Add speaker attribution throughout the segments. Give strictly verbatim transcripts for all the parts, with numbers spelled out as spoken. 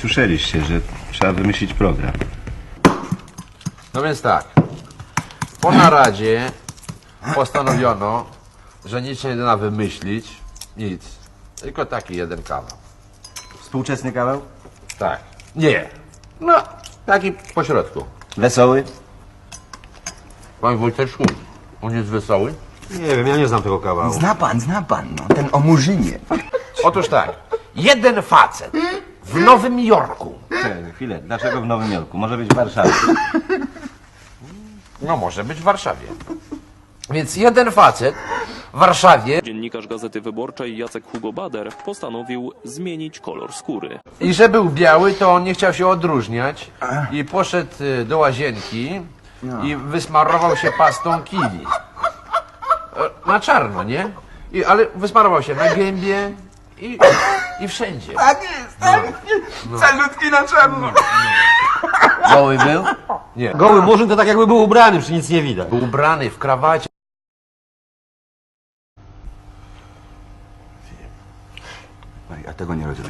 Speaker 1: słyszeliście, że trzeba wymyślić program.
Speaker 2: No więc tak, po naradzie postanowiono, że nic się nie da wymyślić, nic, tylko taki jeden kawał.
Speaker 1: Współczesny kawał?
Speaker 2: Tak. Nie. No, taki pośrodku.
Speaker 1: Wesoły?
Speaker 2: Panie Wojteczku, on jest wesoły?
Speaker 3: Nie wiem, ja nie znam tego kawału.
Speaker 4: Zna pan, zna pan, no, ten o Murzynie.
Speaker 2: Otóż tak, jeden facet w Nowym Jorku,
Speaker 1: Czekaj, chwilę, dlaczego w Nowym Jorku? Może być w Warszawie.
Speaker 2: no może być w Warszawie, więc jeden facet w Warszawie
Speaker 5: Dziennikarz Gazety Wyborczej Jacek Hugo Bader postanowił zmienić kolor skóry.
Speaker 2: i że był biały, to on nie chciał się odróżniać i poszedł y, do łazienki i wysmarował się pastą kili. E, Na czarno, nie? I, ale wysmarował się na gębie i, i wszędzie.
Speaker 4: Tak jest, tak? Calutki na czarno.
Speaker 1: Goły był?
Speaker 2: Nie.
Speaker 3: Goły murzyn to tak jakby był ubrany, przecież nic nie widać.
Speaker 2: Był ubrany w krawacie.
Speaker 4: Ja tego nie rozumiem.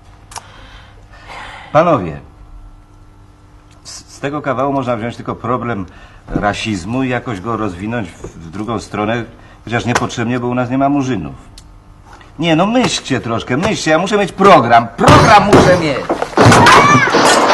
Speaker 1: Panowie, z, z tego kawału można wziąć tylko problem rasizmu i jakoś go rozwinąć w, w drugą stronę, chociaż niepotrzebnie, bo u nas nie ma murzynów. Nie, no myślcie troszkę, myślcie, ja muszę mieć program, program muszę mieć!